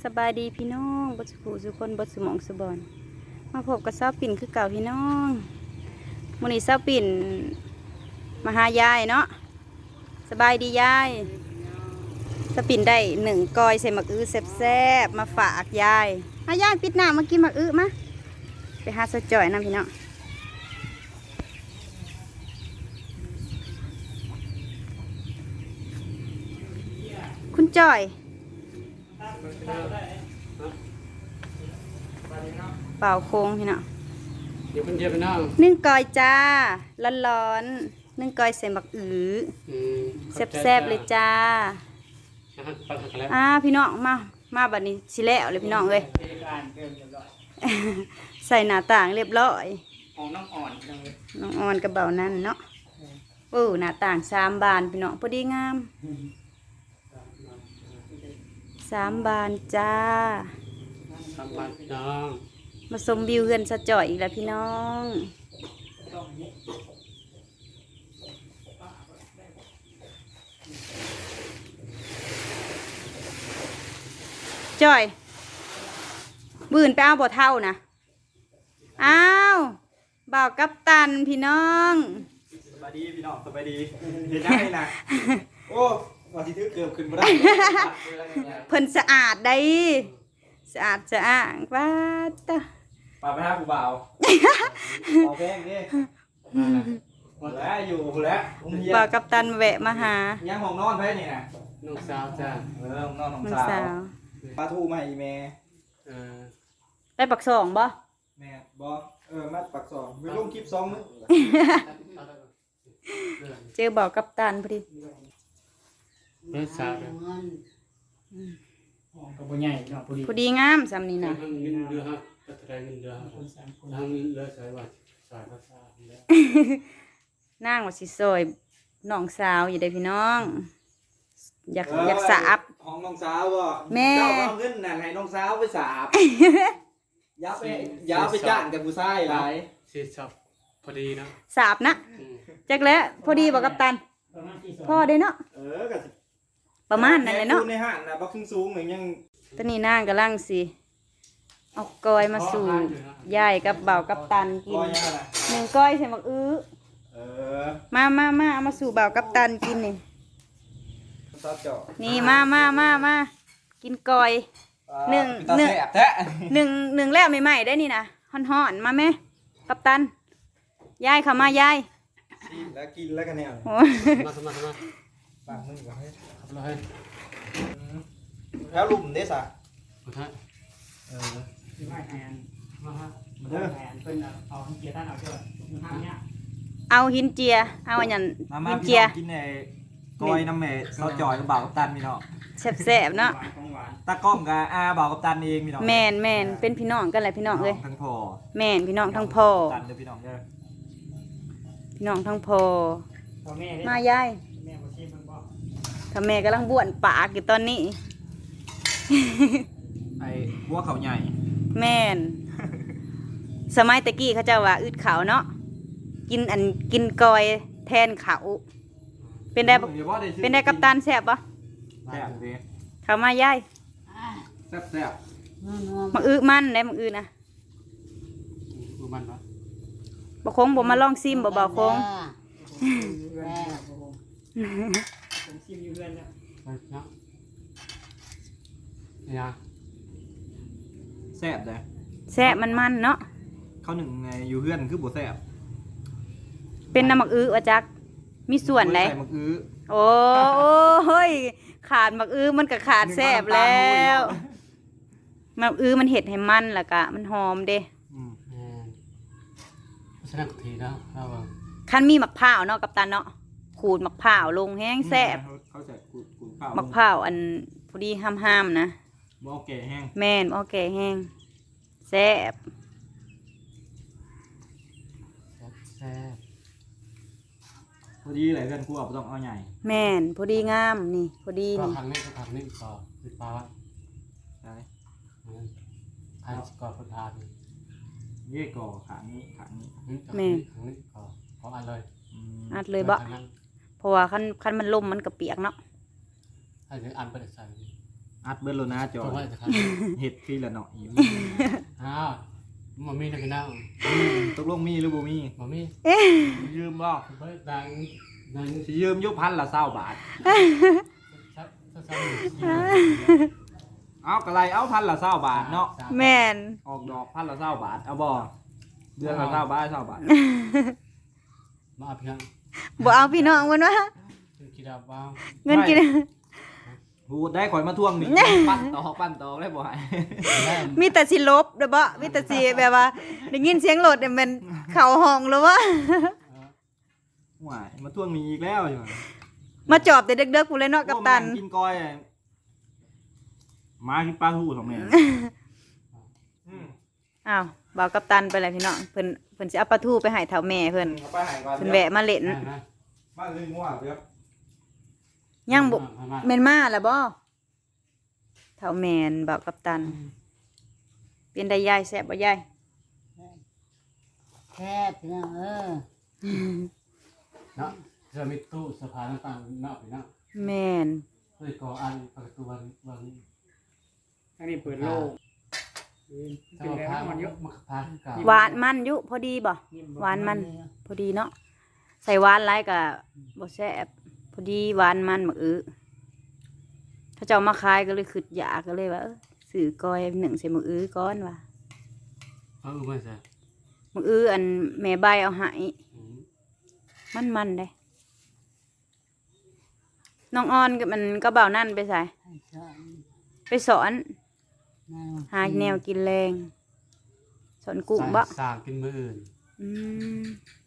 สบายดีพี่น้องบสุขสุคนบสุหมองสุบอนมาพบกับสาวปิ่นคือเก่าพี่น้องมื้อนี้สาวปิ่นมาหายายเนาะสบายดียายสาวปิ่นได้1 กอยใส่หมักอื้อแซ่บๆมาฝากยายยายปิดหน้ามากินหมักอื้อมาไปหาสะจ่อยน้ำพี่น้องคุณจ่อยเป่าโค้งพี่น้องเดี๋ยวเพิ่นเทียบไปน้อง 1 กอยจ้าร้อนๆ1 กอยใส่หมักอื้อแซ่บๆเลยจ้าพี่น้องมาบัดนี้สิแล้วเลยพี่น้องเลยใส่หน้าต่างเรียบร้อยของน้องอ่อนน้องอ่อนกระเป๋านั่นเนาะหน้าต่าง3 บานพี่น้องพอดีงาม3 บานจ้า 3 บานพี่น้องมาชมวิวเฮือนสะจ่อยอีกแล้วพี่น้องจ่อยบืนไปเอาบ่เท่านะอ้าวบ่าวกัปตันพี่น้องสบายดีพี่น้องสบายดีเห็นได้นะโอ้ว่าที่ถือเกือบขึ้นมาได้เพิ่นสะอาดได้สะอาดสะอ้างว่าตะป่าไปหาผู้บ่าวขอแพงดิหมดแล้วอยู่หมดแล้วบ่าวกัปตันแวะมาหายังห้องนอนไปนี่นะน้องสาวจ้าห้องนอนของสาวปลาทูมาอีเมได้ปัก2บ่แม่บ่มัดปัก2ไม่ลงคลิป2มื้อเจอบ่าวกัปตันพอดีน้องสาวก็บ่ใหญ่เนาะพอดีงามซำนี้นะเงินเดือนครับก็แสดงเงินเดือนทางเลือใส่ว่าสายภาษาแล้วนางว่าสิซอยน้องสาวอยู่ได้พี่น้องอยากสาบห้องน้องสาวบ่แม่เจ้าเอาเงินนั่นให้น้องสาวไปสาบอย่าไปจ้างกับผู้ชายหลายสิสับพอดีนะสาบนะจักแล้วพอดีบ่กัปตันพอได้เนาะก็ประมาณนั้นเลยเนาะในห้างน่ะบ่สูงเหมือนยังตอนนี้นางกำลังสิเอากอยมาสู่ยายกับบ่าวกัปตันกิน1 กอยใส่หมักอื้อมาเอามาสู่บ่าวกัปตันกินนี่มากินกอย1แล้วใหม่ๆได้นี่นะฮ้อนๆมาแม่กัปตันยายเข้ามายายแล้วกินแล้วกันแนวมาปากมึงก่อนครับเลยแล้วลุ่มเด้ซะที่ไม่แอนมาฮะเด้อเป็นเอาหินเจียท่านเอาเจ้าทางเนี้ยเอาหินเจียเอาอันนั้นหินเจียกินไอ้ก้อยน้ำแม่เราจ่อยกับบ่าวกัปตันพี่น้องแซ่บๆเนาะตากล้องกับบ่าวกัปตันเองพี่น้องแม่นเป็นพี่น้องกันแหละพี่น้องเอ้ยทั้งพ่อแม่นพี่น้องทั้งพ่อตันเด้อพี่น้องเด้อพี่น้องทั้งพ่อมายายถ้าแม่กำลังบ้วนปากอยู่ตอนนี้ไอ้บัวเขาใหญ่แม่นสมัยตะกี้เขาเจ้าว่าอึดเขาเนาะกินกอยแทนเขาเป็นได้กัปตันแซ่บปะแซ่บสิเขามายายแซ่บมักอื้อมันได้มักอื้อนะมันปะบ่คงบ่มาลองซิมบ่คงผมซิมอยู่เรื่อยแล้วเนี่ยแซ่บเลยแซ่บมันเนาะเขาหนึ่งไงอยู่เพื่อนคือบ่แซ่บเป็นน้ำมักอื้อว่าจักมีส่วนไหนมักอื้อโอ้ยขาดมักอื้อมันก็ขาดแซ่บแล้วมักอื้อมันเห็ดให้มันล่ะกะมันหอมเด้แสดงทีนะคันมีมะพร้าวเนาะกัปตันเนาะขูดมะพร้าวลงแห้งแซ่บมะพร้าวอันพอดีห้ามนะบ่แก่แห้งแม่นบ่แก่แห้งแซ่บพอดีเลยกันกูเอาต้องเอาใหญ่แม่นพอดีงามนี่พอดีนี่ทางนี้ต่อคือปลาใช่ทางก่อคนทานนี่ก่อขานี้แม่ทางนี้ก่อเพราะอะไรอัดเลยบ่เพราะว่าคันมันล่มมันกระเปียกเนาะอันนี้อันเป็นใส่อัดเบิ้ลโลนะจอจงไว้จะครับเห็ดฟรีละเนาะอยู่อ้าวมันมีนะพี่น้องตกลงมีหรือบ่มีมันมียืมบ่เบิดดังดังสิยืมยุพันละ20 บาทซับเอากระไรเอาพันละ20 บาทเนาะแม่นออกดอกพันละ20 บาทเอาบ่เดือนละ20 บาท20 บาทมาเพียงบ่เอาพี่น้องมันวะคิดเอาบ้างเงินกินพูดได้ข่อยมาทวงนี่ ปั้นต่อได้บ่ให้มีแต่สิลบเด้อบ่มีแต่สิแบบว่าได้ยินเสียงรถเนี่ยมันเข้าห้องแล้ววะว้ายมาทวงหนี้อีกแล้วอยู่มาจอบแต่เด็กๆพู้นเลยเนาะกัปตันโอ้แม่งกินก้อยมากินปลาทูของแม่อ้าวบ่าวกัปตันไปแล้วพี่น้องเพิ่นสิเอาปลาทูไปให้เฒ่าแม่เพิ่นเอาไปให้ก่อนเพิ่นแวะมาเล่นบ้านลืมว่าเด้อยังบ่แม่นมาแล้วบ่เฒ่าแม่นบ่าวกัปตันเป็นได้ยายแซ่บบ่ยายแค่พี่น้องเนาะจะมีตู้สะพานต่างๆเนาะพี่น้องแม่นเฮ้ยก่ออันประตูวันอันนี้เปิดโลกเป็นเจ้าแล้วพามันเยอะมาพาขึ้นเก่าหวานมันอยู่พอดีบ่หวานมันพอดีเนาะใส่หวานหลายก็บ่แซ่บพอดีหวานมันบักอื้อถ้าเจ้ามาขายก็เลยขึ้นอยากก็เลยว่าซื้อก้อยหนึ่งใส่มื้ออื้อก่อนว่ะไม่ใช่มื้ออื้ออันแม่ใบเอาให้มันได้น้องออนก็มันก็เบานั่นไปใส่ให้สอนไปสอนหาแนวกินแรงสอนกุ้งบ่สร้างกินมืออื่นอืม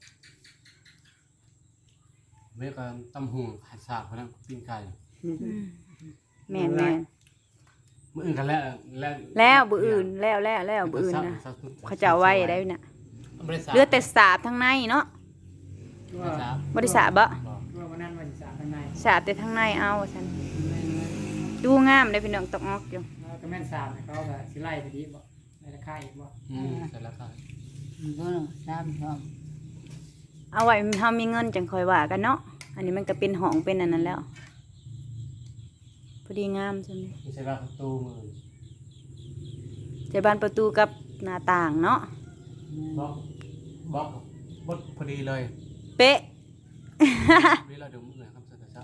เมื่อกันตำหูหัดสากพนักปิ้งไก่แม่นมืออื่นกันแล้วแล้วบื้ออื่นแล้วบื้ออื่นนะเขาจะเอาไว้ได้น่ะเหลือแต่สาบทั้งในเนาะว่าบ่ได้สาบบ่ว่าวันนั้นวันที่3ข้างในสาบแต่ทั้งในเอาว่าซั่นดูงามได้พี่น้องตกออกอยู่แล้วก็แม่น3เนี่ยเขาก็สิไล่ไปดีบ่ในราคาอีกบ่เสร็จแล้วครับก็สามชอบเอาไว้เฮามีเงินจังค่อยว่ากันเนาะอันนี้มันก็เป็นห้องเป็นอันนั้นแล้วพอดีงามใช่ไหมไม่ใช่ว่าประตูมือใจบานประตูกับหน้าต่างเนาะบล็อกบดพอดีเลยเป๊ะนี่เราดูมือครับเสร็จแล้ว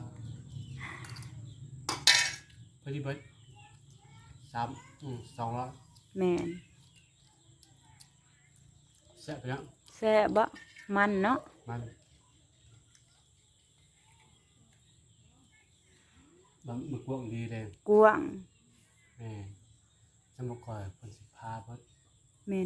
พอดีเบิร์ด200 แม่นแซ่บไปแล้วแซ่บบ่มันเนาะมันมึกวงดีเลยกว้างสมก่อยคนสิพาเบิร์ดแม่น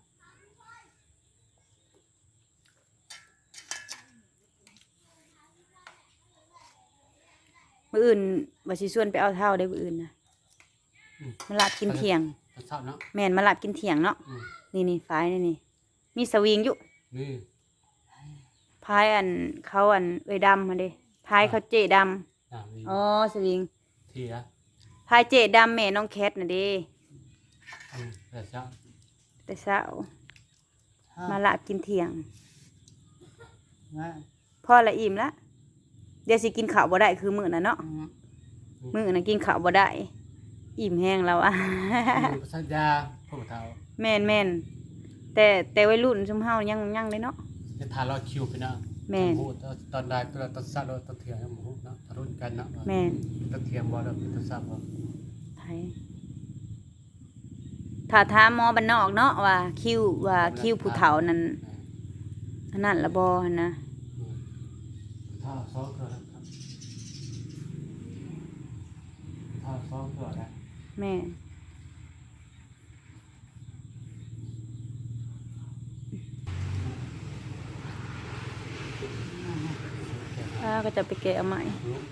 มื้ออื่นว่าสิชวนไปเอาเท่าได้มื้ออื่นนะมาลาบกินเที่ยงชอบเนาะแม่นมาลาบกินเที่ยงเนาะนี่ฝายนี่มีสวิงอยู่นี่พายอันเขาอันเอ้ยดำมาเด้พายเขาเจดำอ๋อสวิงทีละพายเจดำแม่น้องแคทน่ะเด้แต่ชอบแต่เช้ามาลาบกินเที่ยงว่าพ่อละอิ่มละเดี๋ยวสิกินข้าวบ่ได้คือมื้อน่ะเนาะมื้อน่ะกินข้าวบ่ได้อิ่มแห้งแล้วอะสัญญาพวกเท้าแม่นแต่วัยรุ่นซุมเฮายังเลยเนาะจะทานรอคิวไปนะตอนได้ตอนสัตว์ตอนเที่ยงหมูเนาะทารุณกันเนาะแม่นตอนเที่ยงบ่แล้วตอนสัตว์บ่ไผถ้าถามหมอบ้านนอกเนาะว่าคิวผู้เฒ่านั้นอันนั้นละบ่หั่นนะถ้าซ้อมก็ครับถ้าซ้อมก็ได้แม่ก็จะไปแกะเอาใหม่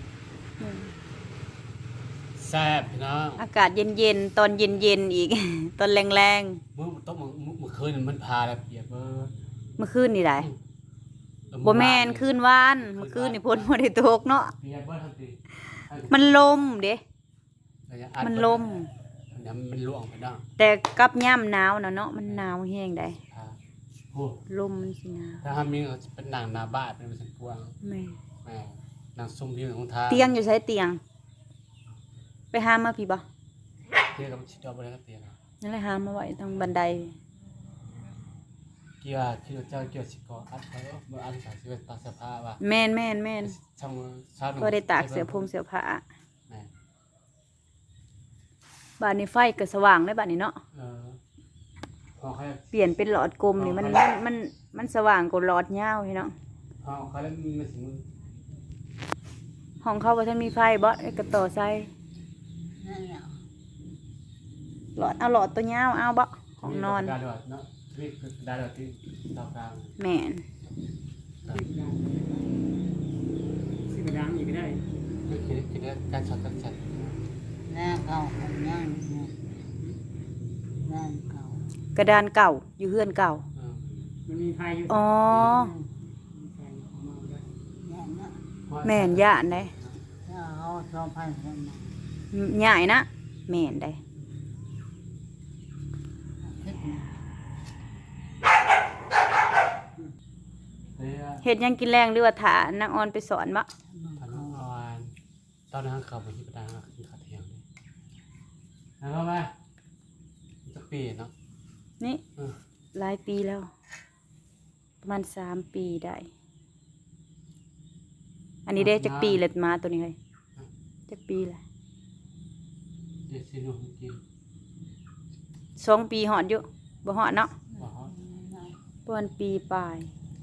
แซ่บพี่น้องอากาศเย็นๆตอนเย็นๆอีก ตอนแรงมื้อต้องมื้อคืนมันพาแล้วเปียกเบิดๆเมื่อคืนนี่ได้บ่แม่นคืนวานเมื่อคืนนี่ฝนบ่ได้ตกเนาะเปียกเบิดทันทีมันลมเด้มันลมมันล่วงไปเนาะแต่กับย่ำหนาวน่ะเนาะมันหนาวแห้งได้โอ้ลมมันสิหนาวถ้ามีเป็นหนังหน้าบ้านเป็นสันกวางแม่แม่นางซุ่มที่ของทาเตียงอยู่ใช้เตียง ไปหามาพี่บ่เตียงกับชิดเอาไปแล้วก็เตียงนั่นแหละหามาไว้ตรงบันไดเกี่ยวที่เจ้าเกี่ยวสิกออัดเขาเมื่ออันสายสิเป็นตาเสื้อผ้าว่ะแม่นช่างชาวก็ได้ตากเสื้อผงเสื้อผ้าแม่บ้านนี้ไฟก็สว่างเลยบ้านนี้เนาะพอให้เปลี่ยนเป็นหลอดกลมนี่มันสว่างกว่าหลอดยาวพี่น้องพอเขาแล้วมันถึงห้องเขาบ่ทันมีไฟบ่ก็ต่อใส่นั่นแหละหลอดเอาหลอดตัวยาวเอาบ่ห้องนอนดาดอดเนาะนี่คือดาดอดที่ตอกลางแม่นสิกระดังอีกก็ได้คือการช็อตกันชัดหน้าเก่าของนั่งนั่นเก่ากระดานเก่าอยู่เฮือนเก่ามันมีไฟอยู่อ๋อมีไฟของมันด้วยย่านนะแม่นย่านได้ถ้าเอา2,000คนมาใหญ่นะแม่นได้คิดนะเฮ็ดหยังกินแรงหรือว่าถานางออนไปสอนบ่ตอนนั้นอ่อนตอนนั้นเขาไปที่ประดานคือขาเทียงเลยแล้วมาจะปีเนาะนี่หลายปีแล้ว ประมาณ3 ปีได้ อันนี้ได้จักปีเลยมาตัวนี้เฮ้ยจักปีแหละเดี๋ยวสิหนูกิน 2 ปีหอดอยู่บ่หอดเนาะบอกเขาประมาณปีปลาย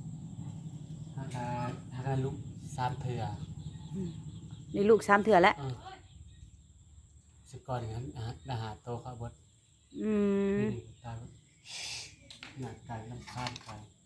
ถ้าการลุก3เถื่อนี่ลูก3 เถื่อแล้วสิก่อนอย่างนั้นอาหารโตครับบดอืมตายหนักไก่น้ำข้ามไก่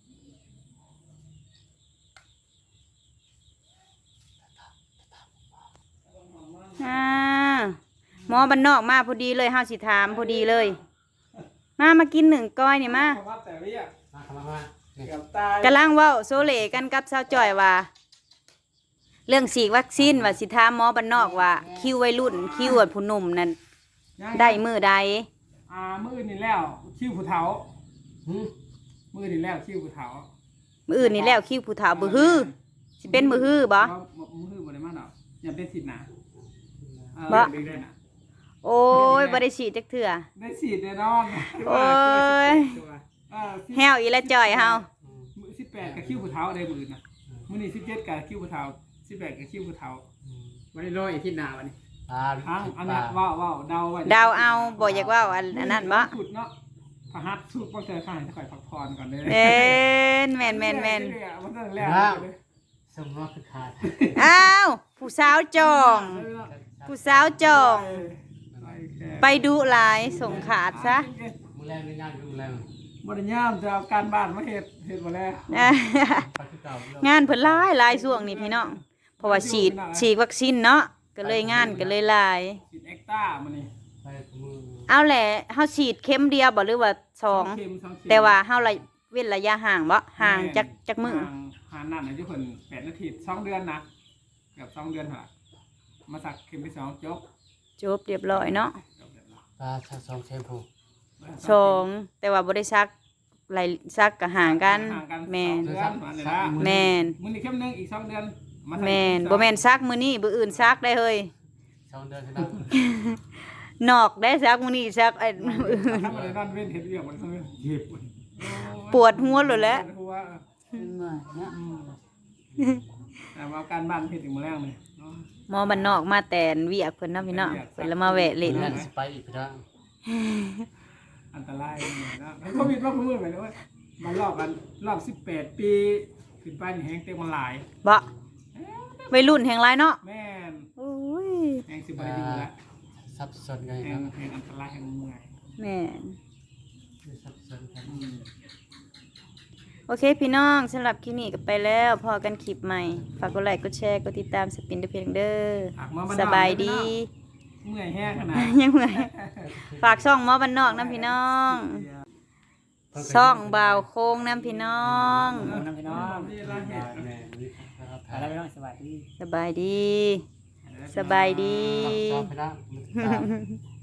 อ่าหมอบ้านนอกมาพอดีเลยเฮาสิถามพอดีเลย มากิน1 ก้อยนี่มาว่าแต่เรียกมาเนี่ยเกือบตายกำลังเว้าโซเลกันกับสาวจ้อยว่า เรื่องฉีดวัคซีนว่าสิถามหมอบ้านนอกว่า คิววัยรุ่นคิวผู้หนุ่มนั่นได้มื้อใดมื้อนี่แล้วคิ้วผู้เฒ่ามื้อนี่แล้วคิ้วผู้เฒ่ามื้ออื่นนี่แล้วคิวผู้เฒ่าบ่ฮือสิเป็นมื้อฮือบ่มื้อบ่ได้มาดอกอย่าเป็นสิทธิ์นะได้นะโอ้ยบ่ได้ฉีดจักเทื่อได้สิทธิ์แน่นอนโอ้ยแฮวอีละจ้อยเฮามื้อ18กับคิ้วผู้เฒ่าได้มื้อนะมื้อนี้17กับคิ้วผู้เฒ่า18กับคิ้วผู้เฒ่าวันนี้รออีกที่หน้าวันนี้ปลาอันนั้นว้าวเดาไว้เดาเอาบ่อยากเว้าอันนั้นบ่สุดเนาะพหัสสุดบ่เจอข้างให้ข่อยพักผ่อนก่อนเด้อแม่นมันตั้งแรกสมรสคือขาดอ้าวผู้สาวจอง ผู้สาวจอง ไปดุหลายส่งขาดซะมือแรงในงานมือแรงบ่ได้ย่ามจะเอาการบ้านมาเฮ็ดบ่แล้วปลาคือเก่างานเพิ่นหลายช่วงนี้พี่น้องเพราะว่าฉีดวัคซีนเนาะก็เลยงานก็เลยหลายสิเอ็กต้ามื้อนี้ไปมือเอาแหละเฮาฉีดเข็มเดียวบ่หรือว่า2 เข็มแต่ว่าเฮาเว้นระยะห่างบ่ห่างจักมื้อห่างนั่นน่ะอยู่เพิ่น8นาที2เดือนนะเกือบ2เดือนหั่นล่ะมาสักเข็มที่2จบจบเรียบร้อยเนาะปลาชาซองแชมพู 2แต่ว่าบ่ได้ซักไหลซักก็ห่างกันแม่นเดือนว่านี่ล่ะแม่นมื้อนี้เข็มนึงอีก2เดือนมาสักแม่นบ่แม่นซักมื้อนี้มื้ออื่นซักได้เฮ้ย 2 เดือนที่นั่นนอกได้ซักมื้อนี้ซักไอ้มื้ออื่นถ้าบ่ได้นอนเว้นเฮ็ดเวียกมันเจ็บปวดหัวเลยแหละปวดหัวเป็นเมื่อยนะแต่ว่าการบ้านเฮ็ดถึงมื้อแรงเลยเนาะหมอบ้านนอกมาแต่นเวียกเพิ่นเนาะพี่น้องเพิ่นละมาแวะเล่นนั่นสไปอีกแล้วอันตรายเลยนะโควิดรอบมือไปเลยว่ามันรอบกันรอบ18 ปีขึ้นไปนี่แฮงเต็มมันหลายบ่วัยรุ่นแห่งหลายเนาะแม่นโอ้ยแฮงสิบ่ได้อยู่แล้วซับซ้อนไงแฮนะงอันตรายแฮงเมื่อยแม่นซับซ้อนกันโอเคพี่น้องสำหรับคลิปนี้ก็ไปแล้วพอกันคลิปใหม่ฝากกดไลค์กดแชร์กดติดตามสปินเดอะเพลงเด้อฝากมาบ้นนอกสบายดีเมื่อยแห้งขนาดยังไงฝากช่องหมอบ้านนอกน้ำพี่น้องช่องบ่าวโค้งน้ำพี่น้องน้ำพี่น้องนี่ละเห็ดแม่นี่นะครับอะไรพี่น้องสบายดีสบายดี สบายดีซับซ้อนไปแล้ว